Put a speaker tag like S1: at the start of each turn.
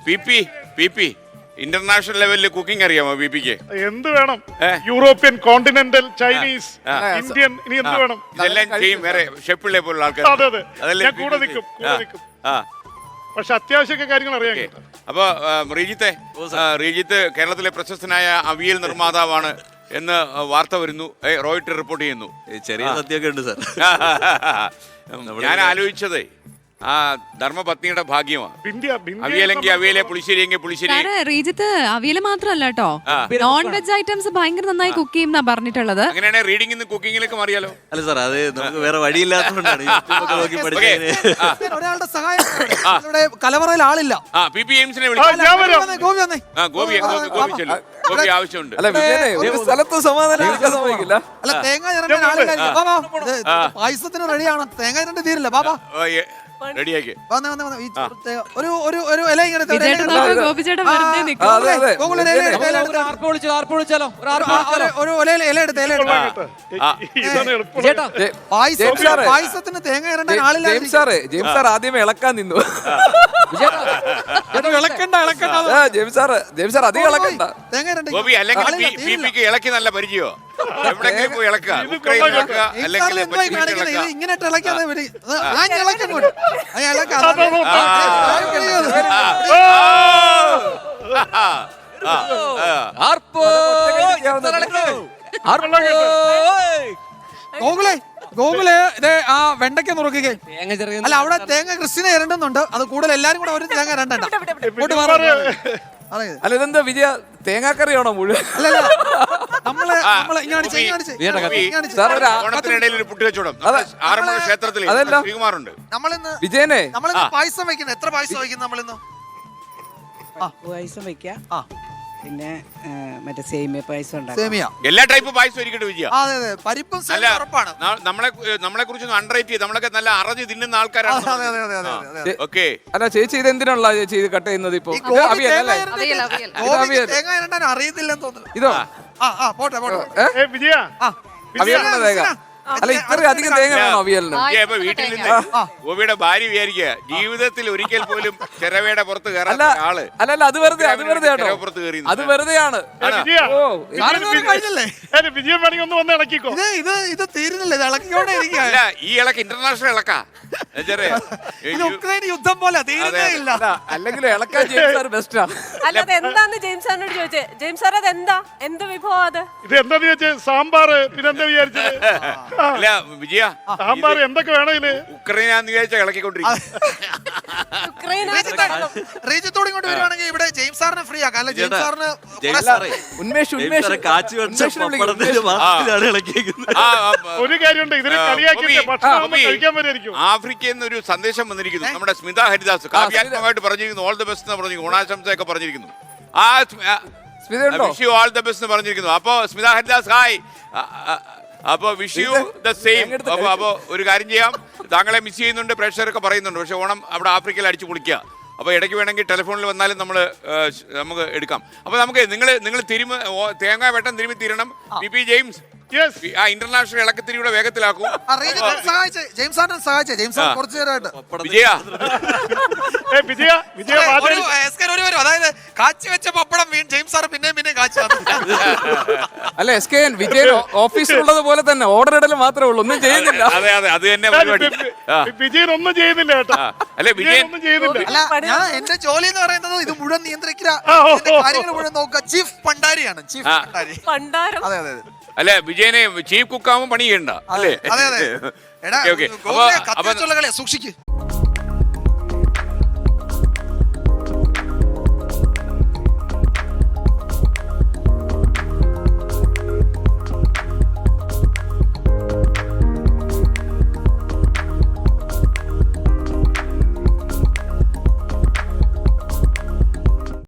S1: P international ലെവലിൽ cooking അറിയാമോ പിക്ക്?
S2: എന്ത് വേണം? യൂറോപ്യൻ, കോണ്ടിനെന്റൽ, ചൈനീസ്, ഇന്ത്യൻ, ഇനി എന്ത് വേണം?
S1: ഇതെല്ലാം ചെയ്യും വേറെ ഷെപ്പിളെ പോലുള്ള ആൾക്കാർ.
S2: അതെ, ഞാൻ കൂടെ നിൽക്കും. പക്ഷെ അത്യാവശ്യമൊക്കെ കാര്യങ്ങൾ അറിയാൻ.
S1: അപ്പൊ റീജിത്ത് കേരളത്തിലെ പ്രശസ്തനായ അവിയൽ നിർമ്മാതാവാണ് എന്ന് വാർത്ത വരുന്നു. റോയിട്ടർ റിപ്പോർട്ട് ചെയ്യുന്നു.
S3: ചെറിയ സത്യമൊക്കെ ഉണ്ട് സാർ.
S1: ഞാൻ ആലോചിച്ചതേ ആ ധർമ്മപത്നിയുടെ ഭാഗ്യമാണ്. അവിയലെങ്കിൽ അവിയലെ, പുളിശ്ശേരിയെങ്കിൽ പുളിശ്ശേരി.
S4: റീജിത്ത് അവിയല് മാത്രല്ല കേട്ടോ, നോൺ വെജ് ഐറ്റംസ് ഭയങ്കര നന്നായി കുക്ക് ചെയ്യുന്ന പറഞ്ഞിട്ടുള്ളത്.
S1: അങ്ങനെയാണെങ്കിൽ റീഡിംഗിൽ നിന്ന് കുക്കിങ്ങിലേക്ക് മാറിയാലോ?
S3: അല്ല സാർ, അത് നമുക്ക് വേറെ വഴിയില്ലാത്തതുകൊണ്ടാണ്
S5: ഒരാളുടെ സഹായം. കലവറയിൽ ആളില്ല.
S1: പി എംസിനെ വിളിച്ചു. ഗോപി ആവശ്യമുണ്ട്.
S6: സ്ഥലത്ത് സമാധാനം.
S5: അല്ല, തേങ്ങ ചിരണ്ടാൻ ആളില്ല. പായസത്തിന് റെഡിയാണ്. തേങ്ങ ചിരണ്ടി തീരില്ല. ബാബാ
S1: റെഡിയാക്കി
S5: ഒരു ഇല ഇങ്ങനെ പായസത്തിന് തേങ്ങ ഇരണ്ടാൻ ആളില്ല.
S6: ജെയിംസ് സാർ ആദ്യമേ ഇളക്കാൻ നിന്നു.
S5: ഇളക്കണ്ട
S6: ജെയിംസ് സാർ അധികം ഇളക്കണ്ട.
S5: തേങ്ങ ഇരണ്ടി
S1: ഗോപി അല്ലെങ്കിൽ ഇളക്കി നല്ല പരിചയമോ? എവിടെങ്കിലും പോയി ഇളക്കുക. അല്ലെങ്കിൽ
S5: ഇങ്ങനെ ഇളക്കാതെ ഗോകുലേ ഇത് ആ വെണ്ടയ്ക്ക നുറുക്കുക. അല്ല, അവിടെ തേങ്ങ ക്രിസ്ത്യനെ ഇരണ്ടുന്നുണ്ട്. അത് കൂടുതൽ എല്ലാരും കൂടെ ഒരു തേങ്ങ രണ്ടണ്ട.
S6: അല്ല, ഇതെന്താ വിജയ തേങ്ങാക്കറിയാണോ മുഴുവൻ?
S5: അല്ലല്ല, നമ്മള്
S1: ഓണത്തിനിടയിൽ ഒരു പുട്ട് കച്ചവടം ആറന്മുള ക്ഷേത്രത്തിൽ ശ്രീകുമാറുണ്ട്.
S6: വിജയനെ
S5: നമ്മളിന്ന് പായസം വയ്ക്കുന്നത്. എത്ര പായസം വയ്ക്കുന്നത് നമ്മളിന്ന്?
S7: പായസം വെക്കാം. പിന്നെ മറ്റേ സേമിയ പായസം
S5: സേമിയ,
S1: എല്ലാ ടൈപ്പ് പായസം ഇരിക്കട്ടെ വിജയ.
S5: അതെ, പരിപ്പും ഉറപ്പാണ്.
S1: നമ്മളെ കുറിച്ച് അണ്ടർറേറ്റ് ചെയ്ത് നമ്മളൊക്കെ നല്ല അറഞ്ഞ് തിന്നുന്ന ആൾക്കാരാണ്. ഓക്കെ.
S6: അല്ല ചേച്ചി, ഇത് എന്തിനുള്ള ചേച്ചി ഇത് കട്ട് ചെയ്യുന്നത്? ഇപ്പൊ
S5: തേങ്ങ ഇരണ്ടാൻ അറിയത്തില്ലെന്ന് തോന്നുന്നു.
S6: ഇതോ?
S5: പോട്ടെ
S2: വിജയ,
S6: അവിയലിന്റെ തേങ്ങ. അല്ല, ഇത്രയും അധികം തേങ്ങ വേണോ അവിയലിന്?
S1: വീട്ടിൽ നിന്ന് ഗോപിയുടെ ഭാര്യ വിചാരിക്കുക ജീവിതത്തിൽ ഒരിക്കൽ പോലും ചിരവയുടെ പുറത്ത് കയറാൻ ആള്.
S6: അല്ല, അത് വെറുതെ കേട്ടോ, അത് വെറുതെയാണ്.
S2: വിജയം വേണമെങ്കിൽ ഒന്ന് വന്ന് ഇളക്കിക്കോ.
S5: ഇത് തീരുന്നില്ല, ഇത് ഇളക്കിക്കൊണ്ടേ ഇരിക്കുക.
S1: ഈ ഇളക്ക് ഇന്റർനാഷണൽ ഇളക്കാ.
S5: ഉക്രൈൻ യുദ്ധം പോലെ തീരുന്നേയില്ല.
S6: അല്ലെങ്കിൽ ഇളക്കാൻ ജെയിംസ് സാർ ബെസ്റ്റാ.
S8: അല്ലാതെ എന്താന്ന് ജെയിംസ് സാറിനോട് ചോദിച്ചേ. ജെയിംസ് സാർ അതെന്താ, എന്ത് വിഭവം അത്?
S2: ഇത് എന്താ വിചാരിച്ചേ? സാമ്പാർ. പിന്നെന്താ വിചാരിച്ചത്?
S1: അല്ല വിജയ,
S2: സാമ്പാർ എന്തൊക്കെ വേണം ഇതില്?
S1: ഉക്രൈനാന്ന് വിചാരിച്ച ഇളക്കിക്കൊണ്ടിരിക്കും.
S5: റീജിത്തോട് ഇങ്ങോട്ട് വരുവാണെങ്കിൽ ഇവിടെ ജെയിംസ് സാറിന് ഫ്രീ ആക്കാം. അല്ല, ജെയിംസ് സാറിന്
S2: ഒരു കാര്യമുണ്ട്, ഇതിന് കളിയാക്കിയിട്ട് ഭക്ഷണം കഴിക്കാൻ വരെയായിരിക്കും.
S1: ആഫ്രിക്കയിൽ നിന്ന് ഒരു സന്ദേശം വന്നിരിക്കുന്നു. നമ്മുടെ സ്മിത ഹരിദാസ് കാവ്യാത്മകമായിട്ട് പറഞ്ഞിരിക്കുന്നു. ഓൾ ദ ബെസ്റ്റ് എന്ന് പറഞ്ഞിരിക്കുന്നു. ഓണാശംസയൊക്കെ പറഞ്ഞിരിക്കുന്നു. Wish you all the best എന്ന് പറഞ്ഞിരിക്കുന്നു. അപ്പോ സ്മിത ഹരിദാസ് ഹായ്. അപ്പൊ വിഷ് യു ദ സെയിം. അപ്പൊ ഒരു കാര്യം ചെയ്യാം, താങ്കളെ മിസ് ചെയ്യുന്നുണ്ട്, പ്രേക്ഷകരൊക്കെ പറയുന്നുണ്ട്. പക്ഷെ ഓണം അവിടെ ആഫ്രിക്കയിൽ അടിച്ചു പൊളിക്കുക. അപ്പോൾ ഇടയ്ക്ക് വേണമെങ്കിൽ ടെലിഫോണിൽ വന്നാലും നമുക്ക് എടുക്കാം. അപ്പോൾ നമുക്ക് നിങ്ങൾ തേങ്ങ വെട്ടം തിരുമ്പി തീരണം. പി ജെയിംസ് ആ ഇന്റർനാഷണൽ ഇളക്കത്തിരിയുടെ വേഗത്തിലാക്കും.
S5: അതായത് കാച്ചി വെച്ച പപ്പടം ജെയിംസ് സാർ പിന്നെ കാച്ചി.
S6: അല്ല, SKN വിജയൻ ഓഫീസിലുള്ളത് പോലെ തന്നെ ഓർഡർ ഇടൽ മാത്രമേ ഉള്ളൂ, ഒന്നും ചെയ്യുന്നില്ല.
S1: അതെ, അത് തന്നെ പരിപാടി.
S2: വിജയൻ ഒന്നും ചെയ്യുന്നില്ല കേട്ടോ.
S1: അല്ലെ, വിജയൻ
S2: ഒന്നും ചെയ്യുന്നില്ല.
S5: എന്റെ ജോലി എന്ന് പറയുന്നത് ഇത് മുഴുവൻ നിയന്ത്രിക്കുക, കാര്യങ്ങൾ മുഴുവൻ നോക്കുക. ചീഫ് പണ്ടാരിയാണ്. ചീഫ് പണ്ടാരി. അതെ.
S1: അല്ലെ, വിജയനെ ചീഫ് കുക്കാവുമ്പോൾ പണി ചെയ്യണ്ട അല്ലേ?
S5: അതെ. സൂക്ഷിക്ക്.